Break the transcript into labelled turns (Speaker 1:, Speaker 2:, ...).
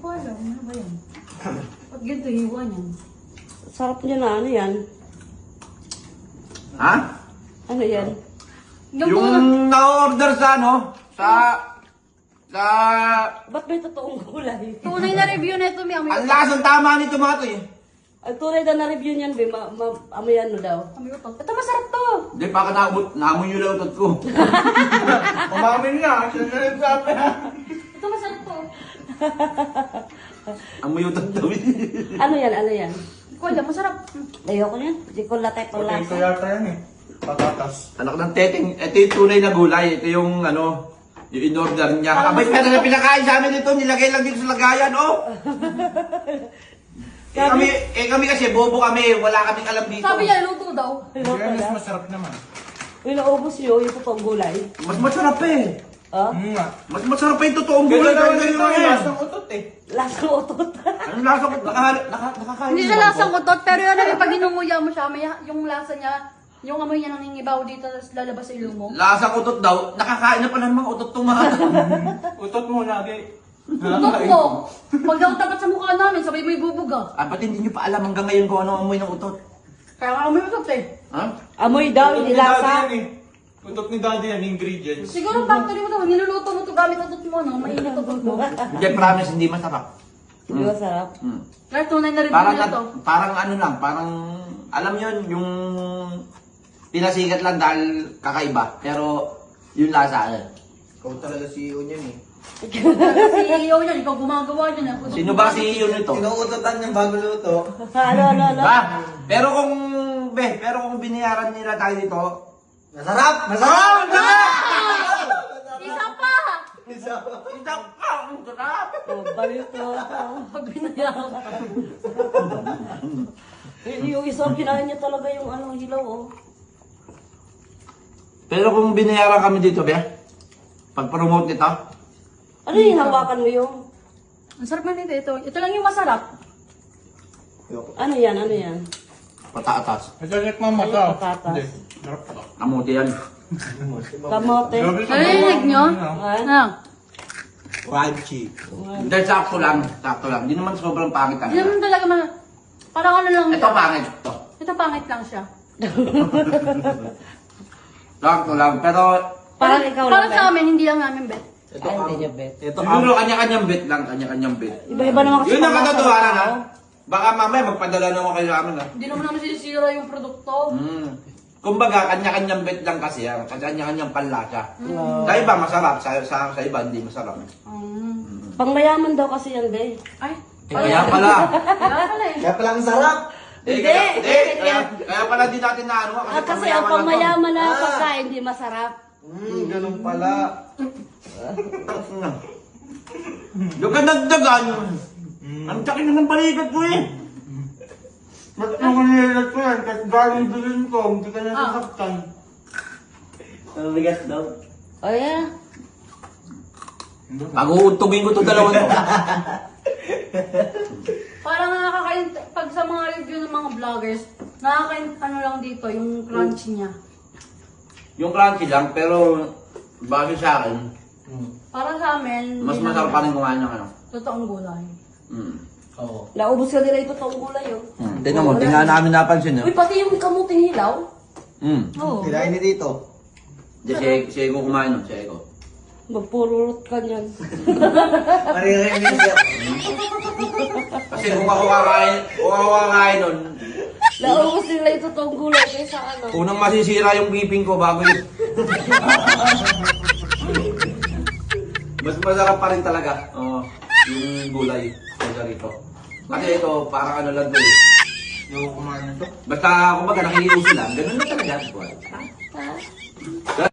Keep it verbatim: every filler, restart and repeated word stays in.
Speaker 1: ko alam. Ano ba yan? Pag ganito, hiwa niyan.
Speaker 2: Sarap niya na. Ano yan?
Speaker 3: Ha?
Speaker 2: Ano yan?
Speaker 1: Yung,
Speaker 3: Yung
Speaker 1: yung...
Speaker 3: na-order sa ano? Sa... Sa...
Speaker 2: Ba't may totoong gulay?
Speaker 1: tunay na review na ito, may amoy.
Speaker 3: Ang lasang tama nito mga to eh.
Speaker 2: Ang tunay na na-review niyan, be, ma, ma, amoy ano daw.
Speaker 1: Amoy ito. Ito masarap to.
Speaker 3: Hindi, baka naamot, naamoy yung lautot ko. Umamin nga, siya na rin sabi ha.
Speaker 1: Ito masarap to.
Speaker 3: Amoy yung utot
Speaker 2: Ano yan? Ano yan?
Speaker 1: Ikaw alam, masarap.
Speaker 2: Ayoko niyan. Hindi ko latay pang
Speaker 4: Ito
Speaker 2: lasa.
Speaker 4: yata yan eh. Patatas.
Speaker 3: Anak ng teteng, ito yung tunay na gulay. Ito yung ano, yung in-order niya.
Speaker 1: Parang
Speaker 3: Abay,
Speaker 1: mas-
Speaker 3: pero na pinakain sa amin ito, nilagay lang dito sa lagayan, oh. eh, kami, eh kami kasi, bobo kami, wala kaming alam dito.
Speaker 1: Sabi niya, luto daw.
Speaker 4: Kaya mas masarap naman.
Speaker 2: Uy, naubos niyo yung totoong gulay.
Speaker 3: Mas masarap eh.
Speaker 2: Ah?
Speaker 4: Hmm nga.
Speaker 3: Mas masarap pa yung totoong
Speaker 4: Ganda
Speaker 3: gulay.
Speaker 4: naman
Speaker 3: Ganda
Speaker 4: ito
Speaker 3: naman
Speaker 4: eh.
Speaker 3: yan.
Speaker 4: Lasang utot eh.
Speaker 2: Lasang utot.
Speaker 3: Anong lasa ko? Naka, naka, nakakain
Speaker 1: Hindi
Speaker 3: mo
Speaker 1: siya
Speaker 3: ba
Speaker 1: lasang
Speaker 3: ako?
Speaker 1: utot, pero yun naman, pag inunguya mo siya, may, yung lasa niya, yung amoy niya nangingibaw dito, tapos lalabas sa ilong mo.
Speaker 3: Lasang utot daw, nakakain na pala ng mga utot itong mga.
Speaker 4: Utot mo lagi.
Speaker 1: Utot mo. Pag daw tapat sa mukha namin, sabay mo ibubuga.
Speaker 3: Ah, ba't hindi nyo pa alam hanggang ngayon kung ano ang amoy ng utot?
Speaker 1: Kaya nga amoy utot eh.
Speaker 3: Ha?
Speaker 2: Amoy daw,
Speaker 4: Utot
Speaker 2: hindi
Speaker 4: ni daddy
Speaker 2: lasa.
Speaker 4: yan eh. Utot ni daddy yan, ingredients.
Speaker 1: Siguro factory mo to, niluluto mo to gamit utot mo, no? Mainit utot mo.
Speaker 3: Hindi, promise, hindi masarap.
Speaker 2: Hindi masarap.
Speaker 3: Hmm.
Speaker 1: Kaya tunay na review
Speaker 3: Parang,
Speaker 1: na to.
Speaker 3: parang ano lang, parang, alam yun, yung pinasikat lang dahil kakaiba. Pero, yung lasa, ano?
Speaker 4: Ikaw talaga C E O niyan eh.
Speaker 1: Si E O niyan, ikaw gumagawa niyan. eh.
Speaker 3: Sino ba si yun nito?
Speaker 4: Inuutotan niyang bago luto.
Speaker 2: Ano, ano, ano?
Speaker 3: Ba? Pero kung, be, pero kung binayaran nila tayo dito,
Speaker 4: Masarap!
Speaker 3: masarap!
Speaker 1: Isa pa!
Speaker 4: Isa pa.
Speaker 3: Isang pa, ang sarap!
Speaker 2: Oh, baliw to.
Speaker 1: Pag binayaran ka.
Speaker 2: Eh, yung isang kinain niya talaga yung ano, hilaw, oh.
Speaker 3: Pero kung binayaran kami dito, be, pag-promote nito,
Speaker 2: Ano yung hawakan mo yung?
Speaker 1: Ang sarap na nito ito. Ito lang yung masarap.
Speaker 2: Ano yan? Ano yan?
Speaker 3: patatas.
Speaker 4: Masarap mama ka.
Speaker 2: Patatas.
Speaker 4: Hindi. Sarap pa.
Speaker 3: Kamuti yan.
Speaker 2: Kamote.
Speaker 1: Narinig nyo? Ano?
Speaker 4: Crunchy.
Speaker 3: Hindi, sakto lang. Sakto lang. Hindi naman sobrang pangit
Speaker 1: Hindi
Speaker 3: talaga.
Speaker 1: naman talaga ma... Parang ano lang
Speaker 3: Ito
Speaker 1: siya.
Speaker 3: pangit. Ito.
Speaker 1: Ito pangit lang siya.
Speaker 3: Sakto lang. Pero,
Speaker 2: Parang ikaw lang,
Speaker 1: Parang
Speaker 2: Ben.
Speaker 1: sa amin, hindi lang namin bet.
Speaker 4: Ito
Speaker 2: Ay,
Speaker 4: ang...
Speaker 2: hindi niya bet.
Speaker 4: Ito
Speaker 3: siguro
Speaker 4: ang...
Speaker 3: kanya-kanyang bit lang. Kanya-kanyang bit.
Speaker 2: Iba-iba naman kasi
Speaker 3: Yun ang
Speaker 2: panglasa ng
Speaker 3: katotohanan, ha?
Speaker 2: tao.
Speaker 3: Baka mamaya magpadala naman kayo sa amin, ha?
Speaker 1: Hindi naman namin sinisira yung produkto.
Speaker 3: Hmm. Kumbaga, kanya-kanyang bit lang kasi yan. Kanya-kanyang panlasa.
Speaker 2: Wow.
Speaker 3: Sa iba, masarap. Sa, sa, sa iba, hindi masarap.
Speaker 1: Mm.
Speaker 2: Pangmayaman daw kasi yan, be.
Speaker 1: Ay,
Speaker 3: Eh, kaya pala.
Speaker 1: kaya pala eh.
Speaker 4: Kaya pala ang sarap!
Speaker 3: Eh,
Speaker 2: Hindi.
Speaker 3: kaya, eh, kaya, kaya pala di natin na ano.
Speaker 2: Ah, kasi ang pangmayaman na pagkain, hindi masarap.
Speaker 4: Hmm, ganun pala.
Speaker 3: Yung kadagdagan yun. Ang sakit na ng balikat ko eh.
Speaker 4: Ba't yung kanilat ko yan? Kasi galing bilin ko, hindi ka
Speaker 1: Ah.
Speaker 4: nasasaktan.
Speaker 3: Mabigat daw.
Speaker 2: O yeah.
Speaker 3: Pag-uuntugin ko itong dalawang to.
Speaker 1: Parang nakakain, pag sa mga review ng mga vloggers, nakakain ano lang dito, yung crunchy niya.
Speaker 3: Yung crunchy lang, pero base sa akin,
Speaker 1: Para sa amin,
Speaker 3: mas
Speaker 1: hindi
Speaker 3: masarap
Speaker 1: namin-
Speaker 3: pa rin kumain ng ano.
Speaker 1: Totoong gulay.
Speaker 3: Mm.
Speaker 4: Oo.
Speaker 2: Naubos ka nila ito toong gulay, oh.
Speaker 3: Hmm. Tingnan mo, tingnan namin napansin
Speaker 2: Uy, pati yung kamuting hilaw.
Speaker 3: Hmm.
Speaker 1: Oo.
Speaker 4: Kinain ni dito.
Speaker 3: Di, si, si Ego kumain nun, si Ego.
Speaker 2: Magpururot ka niyan.
Speaker 4: Maririnig siya.
Speaker 3: Kasi kung ako kakain, kung ako kakain nun,
Speaker 2: Naubos nila ito toong gulay kaysa ano.
Speaker 3: unang masisira yung biping ko bago yun. Mas masarap pa rin talaga. Oo, yung gulay. Kaya rito. Kasi ito, parang ano lang doon.
Speaker 4: Yung kumain nito.
Speaker 3: Basta, kumbaga, nakikiuso lang. Ganun na talaga.
Speaker 2: Ha?